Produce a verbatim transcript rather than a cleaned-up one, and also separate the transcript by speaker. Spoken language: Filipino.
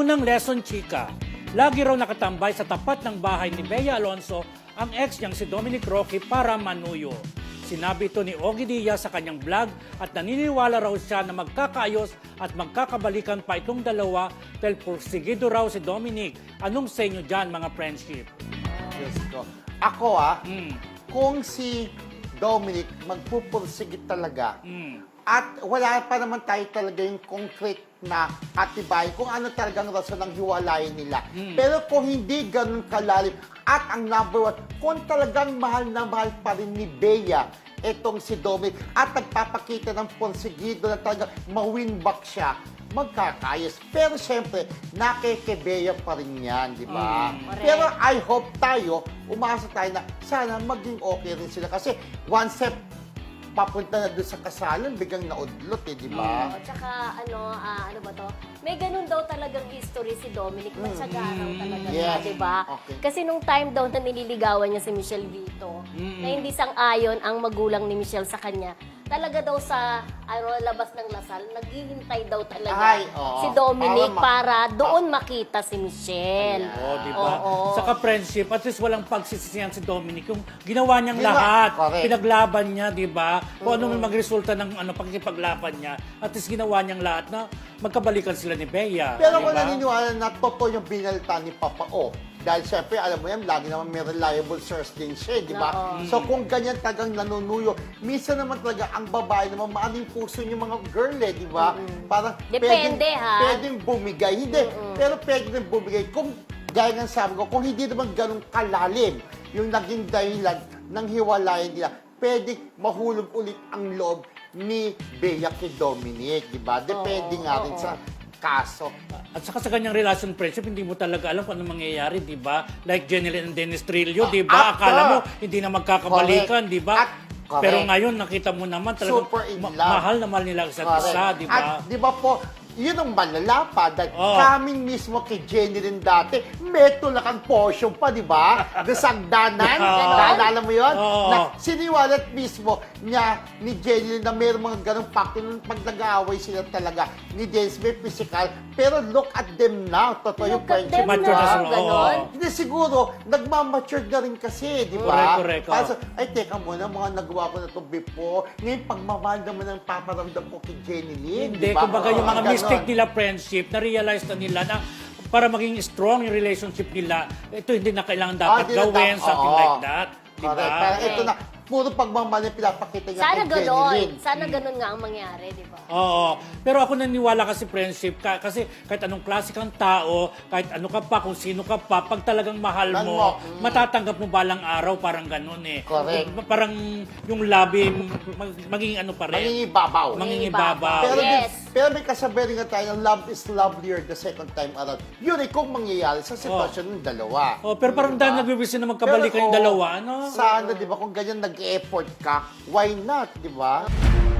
Speaker 1: Unang lesson, chika. Lagi raw nakatambay sa tapat ng bahay ni Bea Alonso ang ex niyang si Dominic Roque para manuyo. Sinabi ito ni Ogie Diaz sa kanyang vlog at naniniwala raw siya na magkakaayos at magkakabalikan pa itong dalawa dahil porsigido raw si Dominic. Anong sa inyo dyan, mga friendship?
Speaker 2: Diyos ko. Ako ah,
Speaker 1: Mm.
Speaker 2: kung si Dominic magpupursigit talaga,
Speaker 1: Mm.
Speaker 2: at wala pa naman tayo talaga yung concrete na atibay kung ano talagang rason ng hiwalayan nila.
Speaker 1: Mm.
Speaker 2: Pero kung hindi ganun kalalim, at ang number one, kung talagang mahal na mahal pa rin ni Bea itong si Dominic at nagpapakita ng porsigido na talagang ma-win back siya, magkakayos. Pero siyempre, nakikibea pa rin yan, di ba?
Speaker 1: Mm.
Speaker 2: Pero I hope tayo, umasa tayo na sana maging okay rin sila. Kasi one step papunta na doon sa kasalan, biglang naudlot eh, di ba?
Speaker 3: Oo, tsaka ano, ah, ano ba to? May ganun daw talagang history si Dominic. Matyaga raw talaga
Speaker 2: Yes.
Speaker 3: siya, di ba?
Speaker 2: Okay.
Speaker 3: Kasi nung time daw na nililigawan niya si Michelle Vito,
Speaker 1: Mm.
Speaker 3: na hindi sang-ayon ang magulang ni Michelle sa kanya, talaga daw sa ano, labas ng Lasal, naghihintay daw talaga
Speaker 2: Ay, oo.
Speaker 3: si Dominic
Speaker 2: Para ma-
Speaker 3: para doon makita si Michelle.
Speaker 1: Oh, di ba?
Speaker 3: Oo.
Speaker 1: Saka friendship, at least walang pagsisisihan si Dominic. Yung ginawa niyang
Speaker 2: Ginawa-
Speaker 1: lahat,
Speaker 2: correct.
Speaker 1: pinaglaban niya, di ba? Kung ano man magresulta ng ano, pagkipaglaban niya, at least ginawa niyang lahat na magkabalikan sila ni Bea.
Speaker 2: Pero
Speaker 1: di
Speaker 2: ako
Speaker 1: ba?
Speaker 2: naniniwala na totoo yung binalita ni Papa O. Dahil syempre, alam mo yan, lagi naman may reliable source din siya, di ba?
Speaker 3: Oo.
Speaker 2: So kung ganyan talagang nanunuyo, minsan naman talaga ang babae naman, maaning puso yung mga girl eh, di ba? Parang
Speaker 3: Depende,
Speaker 2: pwedeng,
Speaker 3: ha?
Speaker 2: pwedeng bumigay. Hindi, pero pwede rin bumigay. Kung, gaya ng sabi ko, kung hindi naman ganun kalalim yung naging dahilan ng hiwalayan nila, pwedeng mahulog ulit ang loob ni Bea kay Dominic, di ba? Depende
Speaker 3: Oo,
Speaker 2: nga rin
Speaker 3: oo.
Speaker 2: sa kaso.
Speaker 1: At saka sa kanyang relation friendship, hindi mo talaga alam kung ano mangyayari, di ba? Like Jeneline and Dennis Trillo, di ba?
Speaker 2: After.
Speaker 1: Akala mo, hindi na magkakabalikan,
Speaker 2: Correct.
Speaker 1: di ba?
Speaker 2: At- correct.
Speaker 1: Pero ngayon, nakita mo naman talagang
Speaker 2: Super in
Speaker 1: ma-
Speaker 2: love.
Speaker 1: mahal na mahal nila isa't
Speaker 2: Correct.
Speaker 1: isa, di ba?
Speaker 2: At di ba po, yun ang malala pa dahil
Speaker 1: Oo.
Speaker 2: kaming mismo kay Jenny rin dati, may tulakan portion pa, di ba? Doon sa hagdanan.
Speaker 1: Oo.
Speaker 2: Naalala mo yun?
Speaker 1: Oo.
Speaker 2: Na siniwalat mismo niya ni Jenny rin na mayroong mga ganong pakto nung pag nag-aaway sila talaga ni Dennis, may physical. Pero look at them now. Totoo yung
Speaker 3: Look at
Speaker 2: friendship.
Speaker 3: them
Speaker 1: Mature na
Speaker 3: now,
Speaker 1: sila, oo.
Speaker 3: ganon.
Speaker 2: Hindi siguro, nagmamature na rin kasi, di ba?
Speaker 1: Correct, correct, oo.
Speaker 2: Kaso, ay, teka muna, mga nagawa ko na ito before. Ngayon, pagmamahal naman ang paparamdam ko kay Jenny Lynn,
Speaker 1: Hindi,
Speaker 2: di ba?
Speaker 1: kumbaga yung mga
Speaker 2: Ganon.
Speaker 1: mistake nila friendship, na-realize na nila na para maging strong yung relationship nila, ito hindi na kailangan
Speaker 2: Ah,
Speaker 1: dapat
Speaker 2: hindi na
Speaker 1: gawin,
Speaker 2: dapat-
Speaker 1: something
Speaker 2: oo.
Speaker 1: like that. Di
Speaker 2: Correct.
Speaker 1: ba?
Speaker 2: Parang ito na, puro pagmamahal yung pinapakita niya
Speaker 3: Sana
Speaker 2: kay Jenny
Speaker 3: ganon.
Speaker 2: Lynn.
Speaker 3: Sana ganon nga ang mangyari, di ba?
Speaker 1: Oo. Pero ako naniniwala kasi friendship, ka, kasi kahit anong klase kang tao, kahit ano ka pa, kung sino ka pa, pag talagang mahal
Speaker 2: Mahal
Speaker 1: mo,
Speaker 2: mo, mm.
Speaker 1: matatanggap mo balang araw, parang ganun eh.
Speaker 2: Correct.
Speaker 1: Eh, Parang yung labi, mag, magiging ano pa rin.
Speaker 2: Mangingibabaw.
Speaker 1: Mangingibabaw.
Speaker 2: Pero,
Speaker 3: Yes.
Speaker 2: din- pero may kasabi rin nga tayo ng love is lovelier the second time around. Yun eh, kung mangyayari sa sitwasyon ng dalawa.
Speaker 1: Oh, pero parang
Speaker 2: Diba?
Speaker 1: dahil nagbibisin na magkabalikan
Speaker 2: Pero,
Speaker 1: yung
Speaker 2: oo,
Speaker 1: dalawa, ano?
Speaker 2: Sana, di ba, kung ganyan nag-effort ka, why not, di ba?